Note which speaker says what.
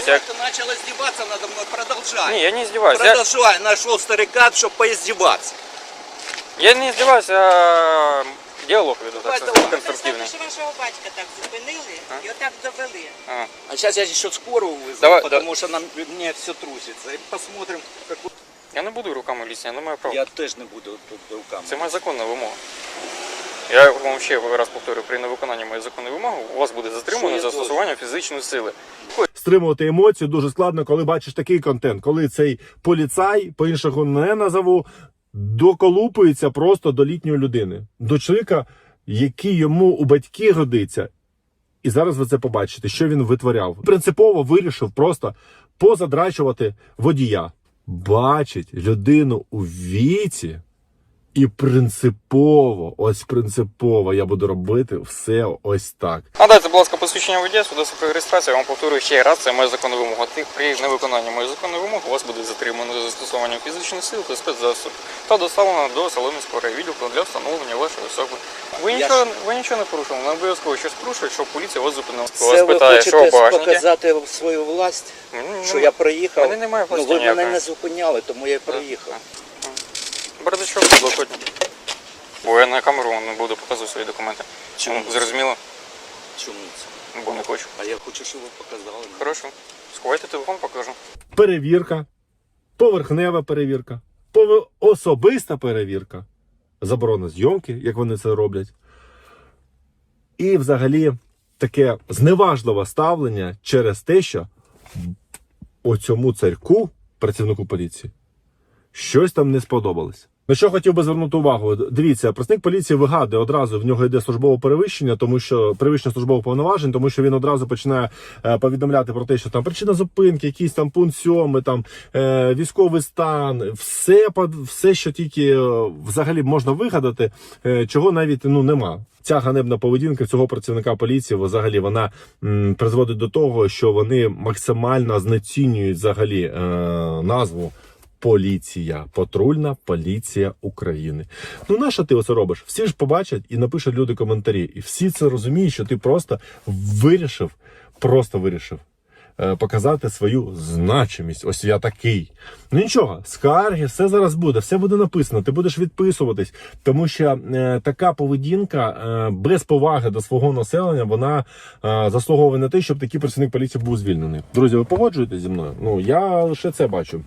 Speaker 1: Я...
Speaker 2: Ты начал издеваться надо мной, продолжай.
Speaker 1: Не, я не издеваюсь.
Speaker 2: Продолжай, нашел старика, чтобы поиздеваться.
Speaker 1: Я не издеваюсь, а діалог веду так конструктивний.
Speaker 3: Що вашого батька так зупинили і отак довели.
Speaker 2: А сейчас я еще скорую вызову,
Speaker 1: Давай,
Speaker 2: потому что мне все трусится. И посмотрим, как...
Speaker 1: Я не буду руками лізти, я не маю права.
Speaker 2: Я теж не буду тут руками.
Speaker 1: Це моя законна вимога. Я вам ще раз повторюю, при невиконанні моєї законної вимоги у вас буде затримано застосування фізичної сили.
Speaker 4: Стримувати емоції дуже складно, коли бачиш такий контент, коли цей поліцай, по-іншому не назову, доколупується просто до літньої людини. До чоловіка, який йому у батьки годиться. І зараз ви це побачите, що він витворяв. Принципово вирішив просто позадрачувати водія. Бачить людину у віці і принципово я буду робити все ось так.
Speaker 1: Надайте, будь ласка, посвідчення водія, свідоцтво про реєстрацію. Я вам повторюю ще раз, це моя законна вимога. При невиконанні моєї законної вимоги у вас буде затримано за застосуванням фізичних сил та спецзасобів та доставлено до Солом'янського райвідділку для встановлення вашої особи. Ви нічого не порушили, не обов'язково щось порушують, щоб поліція вас зупинила.
Speaker 2: Це ви хочете показати свою власть, що я проїхав?
Speaker 1: Мене немає власті
Speaker 2: ви
Speaker 1: ніякої.
Speaker 2: мене не зупиняли, тому я і проїхав.
Speaker 1: Бардачок блокотні. Бо я на камеру не буду показувати свої документи.
Speaker 2: Чому?
Speaker 1: Зрозуміло?
Speaker 2: Чому це?
Speaker 1: Бо не хочу.
Speaker 2: А я хочу, щоб ви показали.
Speaker 1: Хорошо. Сховайте телефон, покажу.
Speaker 4: Перевірка, поверхнева перевірка, особиста перевірка, заборона зйомки, як вони це роблять. І взагалі таке зневажливе ставлення через те, що оцьому царьку, працівнику поліції, щось там не сподобалось. На що хотів би звернути увагу? Дивіться, працівник поліції вигадує одразу, в нього йде службове перевищення, тому що перевищення службових повноважень, тому що він одразу починає повідомляти про те, що там причина зупинки, якийсь там пункт 7, там військовий стан, все, що тільки взагалі можна вигадати, чого навіть нема. Ця ганебна поведінка цього працівника поліції, взагалі, вона призводить до того, що вони максимально знецінюють взагалі назву поліція, патрульна поліція України. Нащо ти оце робиш? Всі ж побачать і напишуть люди коментарі. І всі це розуміють, що ти просто вирішив показати свою значимість. Ось я такий. Нічого, скарги, все зараз буде, все буде написано, ти будеш відписуватись, тому що така поведінка без поваги до свого населення, вона заслуговує на те, щоб такий працівник поліції був звільнений. Друзі, ви погоджуєтесь зі мною? Я лише це бачу.